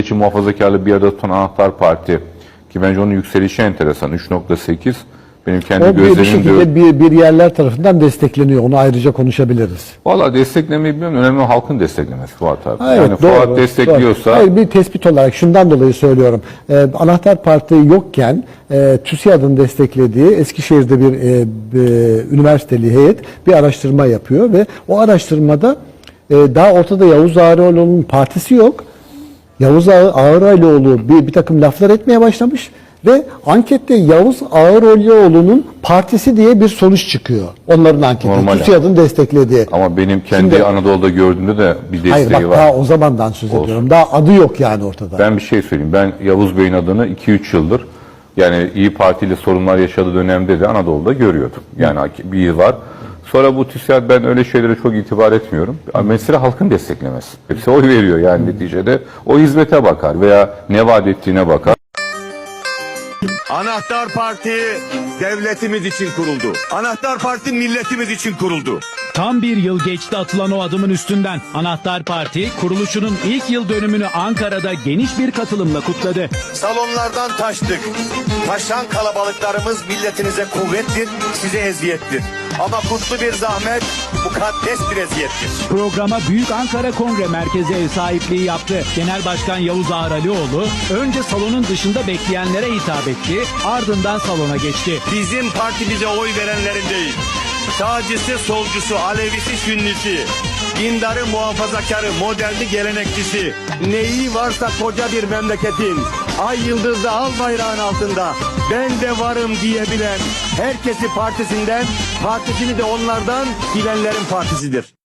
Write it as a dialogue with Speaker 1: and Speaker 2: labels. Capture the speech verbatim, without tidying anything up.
Speaker 1: milliyetçi muhafazakarlığı bir arada tutan Anahtar Parti ki bence onun yükselişi enteresan. üç nokta sekiz benim kendi
Speaker 2: o bir, bir
Speaker 1: gözlemim diyor.
Speaker 2: şekilde bir, bir yerler tarafından destekleniyor. Onu ayrıca konuşabiliriz.
Speaker 1: Valla desteklemeyi bilmiyorum. Önemli halkın desteklemesi Fuat abi.
Speaker 2: Ha, evet,
Speaker 1: yani
Speaker 2: doğru,
Speaker 1: Fuat destekliyorsa...
Speaker 2: Doğru. Hayır, bir tespit olarak şundan dolayı söylüyorum. Ee, Anahtar Parti yokken e, TÜSİAD'ın desteklediği Eskişehir'de bir e, e, üniversiteli heyet bir araştırma yapıyor ve o araştırmada e, daha ortada Yavuz Ağaroğlu'nun partisi yok. Yavuz Ağaroğlu bir, bir takım laflar etmeye başlamış ve ankette Yavuz Ağaroğlu'nun partisi diye bir sonuç çıkıyor. Onların anketi. TÜSİAD'ın desteklediği.
Speaker 1: Ama benim kendi Şimdi, Anadolu'da gördüğümde de bir desteği
Speaker 2: hayır, bak,
Speaker 1: var.
Speaker 2: Daha o zamandan söz
Speaker 1: Olsun.
Speaker 2: ediyorum. Daha adı yok yani ortada.
Speaker 1: Ben bir şey söyleyeyim. Ben Yavuz Bey'in adını iki üç yıldır yani İyi Parti ile sorunlar yaşadığı dönemde de Anadolu'da görüyordum. Yani bir yıl var. Sonra bu TÜSİAD, ben öyle şeylere çok itibar etmiyorum. Mesele halkın desteklemesi. Hepsi oy veriyor yani neticede. O hizmete bakar veya ne vaat ettiğine bakar.
Speaker 3: Anahtar Parti devletimiz için kuruldu. Anahtar Parti milletimiz için kuruldu.
Speaker 4: Tam bir yıl geçti atılan o adımın üstünden. Anahtar Parti kuruluşunun ilk yıl dönümünü Ankara'da geniş bir katılımla kutladı.
Speaker 3: Salonlardan taştık. Taşan kalabalıklarımız milletinize kuvvettir, size eziyettir. Ama kutlu bir zahmet, mukaddes bir eziyettir.
Speaker 4: Programa Büyük Ankara Kongre Merkezi ev sahipliği yaptı. Genel Başkan Yavuz Ağaroğlu önce salonun dışında bekleyenlere hitap etti, ardından salona geçti.
Speaker 3: Bizim partimize oy verenlerin değil, sağcısı, solcusu, Alevisi, Sünnisi, dindarı, muhafazakarı, moderni, gelenekçisi, neyi varsa koca bir memleketin, ay yıldızlı al bayrağın altında ben de varım diyebilen, herkesi partisinden, partisini de onlardan bilenlerin partisidir.